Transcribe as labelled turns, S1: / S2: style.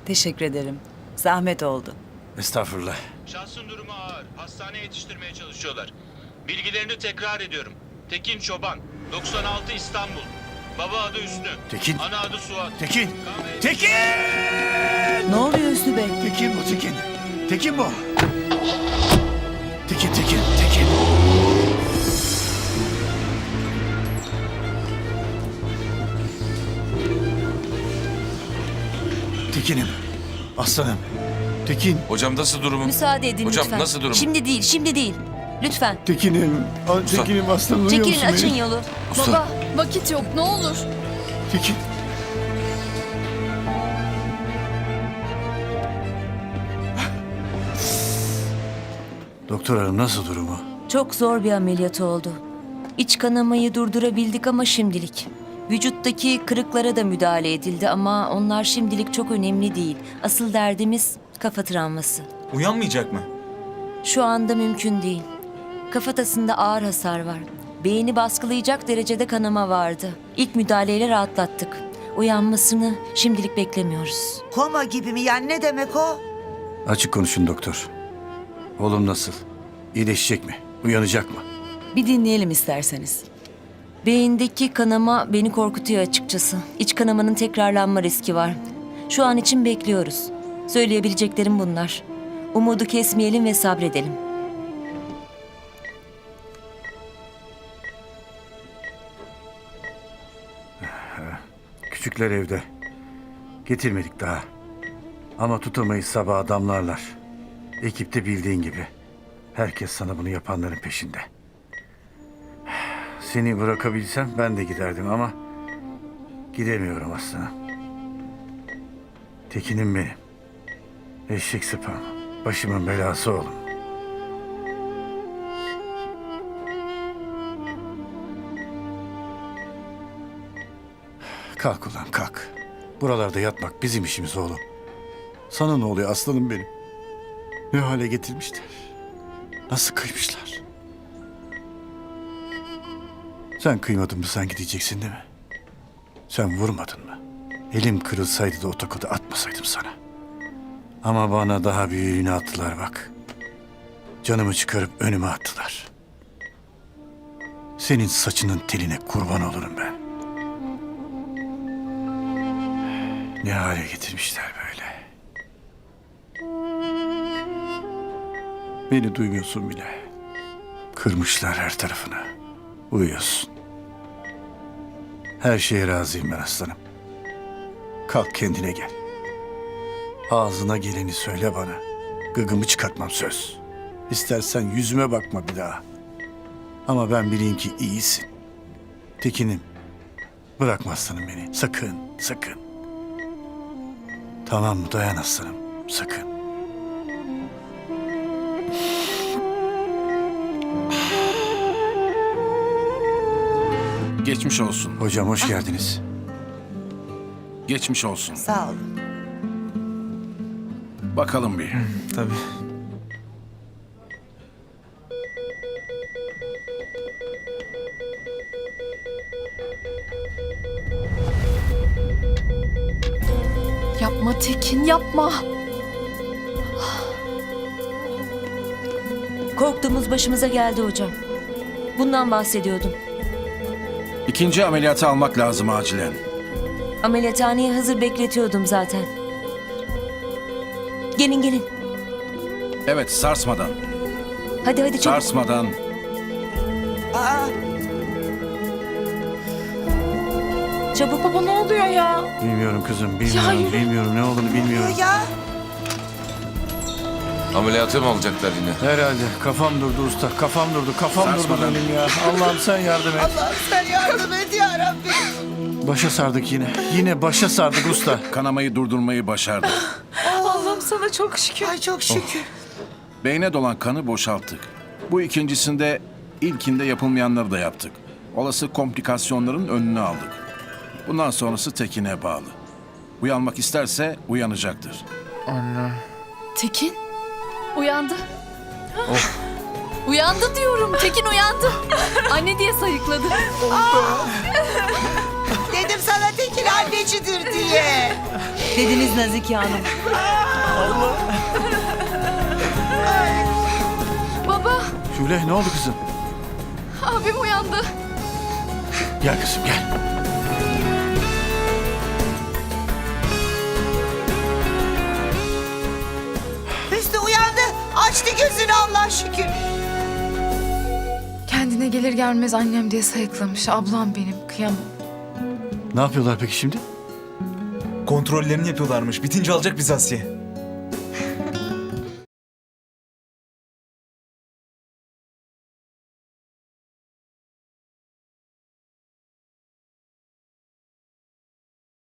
S1: Teşekkür ederim. Zahmet oldu.
S2: Estağfurullah.
S3: Şahsın durumu ağır. Hastaneye yetiştirmeye çalışıyorlar. Bilgilerini tekrar ediyorum. Tekin Çoban, 96 İstanbul. Baba adı Hüsnü.
S2: Tekin.
S3: Ana adı Suat.
S2: Tekin!
S3: Kahve-
S2: Tekin!
S1: Ne oluyor Hüsnü Bey?
S2: Tekin bu Tekin. Tekin bu. Tekin, Tekin, Tekin. Tekin'im. Aslanım. Tekin.
S4: Hocam nasıl durumu?
S5: Müsaade edin
S4: Hocam,
S5: lütfen.
S4: nasıl durum?
S5: Şimdi değil, şimdi değil. Lütfen.
S2: Tekin'im. Tekin'im aslanım. Duyuyor
S5: Çekilin,
S2: musun
S5: açın
S2: beni?
S5: yolu.
S2: Usta.
S6: Baba, vakit yok, ne olur.
S2: Tekin. Doktor hanım nasıl durumu?
S5: Çok zor bir ameliyat oldu. İç kanamayı durdurabildik ama şimdilik. Vücuttaki kırıklara da müdahale edildi ama onlar şimdilik çok önemli değil. Asıl derdimiz kafa travması.
S7: Uyanmayacak mı?
S5: Şu anda mümkün değil. Kafatasında ağır hasar var. Beyni baskılayacak derecede kanama vardı. İlk müdahaleyle rahatlattık. Uyanmasını şimdilik beklemiyoruz.
S8: Koma gibi mi? Yani ne demek o?
S2: Açık konuşun doktor. Oğlum nasıl? İyileşecek mi? Uyanacak mı?
S1: Bir dinleyelim isterseniz.
S5: Beyindeki kanama beni korkutuyor açıkçası. İç kanamanın tekrarlanma riski var. Şu an için bekliyoruz. Söyleyebileceklerim bunlar. Umudu kesmeyelim ve sabredelim.
S2: Küçükler evde. Getirmedik daha. Ama tutamayız sabah adamlarlar. Ekipte bildiğin gibi. Herkes sana bunu yapanların peşinde. Seni bırakabilsem ben de giderdim ama gidemiyorum aslında. Tekin'im benim. Eşek sıpam. Başımın belası oğlum. Kalk ulan kalk. Buralarda yatmak bizim işimiz oğlum. Sana ne oluyor aslanım benim? Ne hale getirmişler? Nasıl kıymışlar? Sen kıymadın mı sen gideceksin değil mi? Sen vurmadın mı? Elim kırılsaydı da o tokadı atmasaydım sana. Ama bana daha büyüğünü attılar bak. Canımı çıkarıp önüme attılar. Senin saçının teline kurban olurum ben. Ne hale getirmişler böyle. Beni duymuyorsun bile. Kırmışlar her tarafını. Uyuyorsun. Her şeye razıyım ben aslanım. Kalk kendine gel. Ağzına geleni söyle bana. Gıgımı çıkartmam söz. İstersen yüzüme bakma bir daha. Ama ben bileyim ki iyisin. Tekin'im. Bırakma aslanım beni. Sakın, sakın. Tamam mı? Dayan aslanım. Sakın.
S9: Geçmiş olsun.
S2: Hocam hoş geldiniz.
S9: Geçmiş olsun.
S8: Sağ olun.
S9: Bakalım bir.
S7: Tabii.
S6: Yapma Tekin, yapma.
S5: Korktuğumuz başımıza geldi hocam. Bundan bahsediyordum.
S9: İkinci ameliyatı almak lazım acilen.
S5: Ameliyathaneye hazır bekletiyordum zaten. Gelin gelin.
S9: Evet, sarsmadan.
S5: Hadi hadi çabuk.
S9: Sarsmadan.
S8: Aa,
S5: Çabuk.
S6: Baba ne oluyor ya?
S2: Bilmiyorum kızım, bilmiyorum,
S6: hayır.
S2: bilmiyorum ne olduğunu bilmiyorum.
S8: ya.
S4: Ameliyatı mı alacaklar yine?
S2: Herhalde kafam durdu usta, kafam durdu, kafam durdu
S9: Sarsmadan.
S2: benim ya. Allah'ım sen yardım et.
S8: Allah sen yardım et ya Rabbi.
S2: Başa sardık yine, yine başa sardık usta.
S9: Kanamayı durdurmayı başardık.
S6: Allah'ım sana çok şükür.
S8: Ay çok şükür.
S9: Beyne dolan kanı boşalttık. Bu ikincisinde ilkinde yapılmayanları da yaptık. Olası komplikasyonların önünü aldık. Bundan sonrası Tekin'e bağlı. Uyanmak isterse uyanacaktır.
S6: Tekin, uyandı. Uyandı diyorum, Tekin uyandı. Anne diye sayıkladı.
S8: Dedim sana Tekin annecidir diye.
S1: dediniz Nazike Hanım.
S6: Baba,
S2: Şule ne oldu kızım?
S6: abim uyandı.
S2: Gel kızım gel.
S8: Hüsnü uyandı. Açtı gözünü Allah şükür.
S6: Kendine gelir gelmez annem diye sayıklamış. Ablam benim, kıyamam.
S2: Ne yapıyorlar peki şimdi?
S7: Kontrollerini yapıyorlarmış. Bitince alacak bizi Asiye.